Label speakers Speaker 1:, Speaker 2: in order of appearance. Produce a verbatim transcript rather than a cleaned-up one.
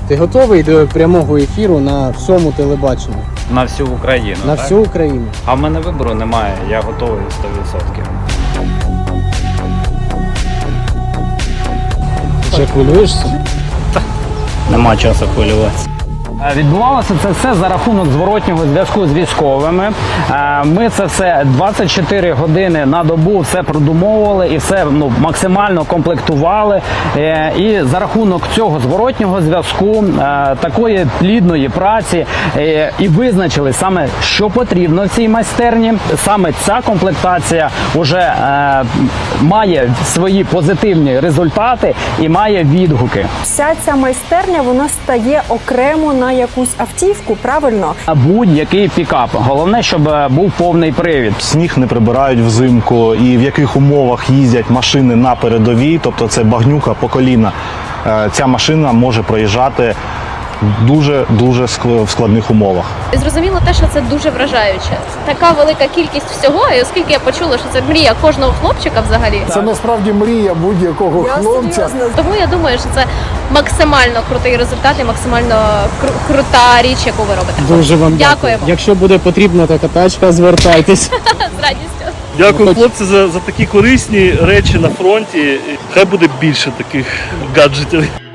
Speaker 1: Ти готовий до прямого ефіру на всьому телебаченні?
Speaker 2: На всю Україну,
Speaker 1: На
Speaker 2: так?
Speaker 1: всю Україну.
Speaker 2: А в мене вибору немає, я готовий сто відсотків.
Speaker 1: Вже хвилюєшся?
Speaker 2: Нема часу хвилюватися.
Speaker 3: Відбувалося це все за рахунок зворотнього зв'язку з військовими. Ми це все двадцять чотири години на добу все продумовували і все ну, максимально комплектували. І за рахунок цього зворотнього зв'язку, такої плідної праці і визначили саме, що потрібно в цій майстерні. Саме ця комплектація вже має свої позитивні результати і має відгуки.
Speaker 4: Вся ця майстерня, вона стає окремо на якусь автівку, правильно?
Speaker 3: Будь-який пікап. Головне, щоб був повний привід.
Speaker 5: Сніг не прибирають взимку і в яких умовах їздять машини на передовій, тобто це багнюка по коліна. Ця машина може проїжджати дуже-дуже в складних умовах.
Speaker 6: Зрозуміло те, що це дуже вражаюче. Така велика кількість всього, і оскільки я почула, що це мрія кожного хлопчика взагалі.
Speaker 7: Це насправді мрія будь-якого хлопця.
Speaker 6: Тому я думаю, що це максимально крутий результат і максимально кру- крута річ, яку ви робите.
Speaker 1: Дуже вам дякую.
Speaker 6: Дякуємо.
Speaker 1: Якщо буде потрібна така тачка, звертайтесь.
Speaker 6: З радістю.
Speaker 8: Дякую, хлопці, за, за такі корисні речі на фронті. Хай буде більше таких гаджетів.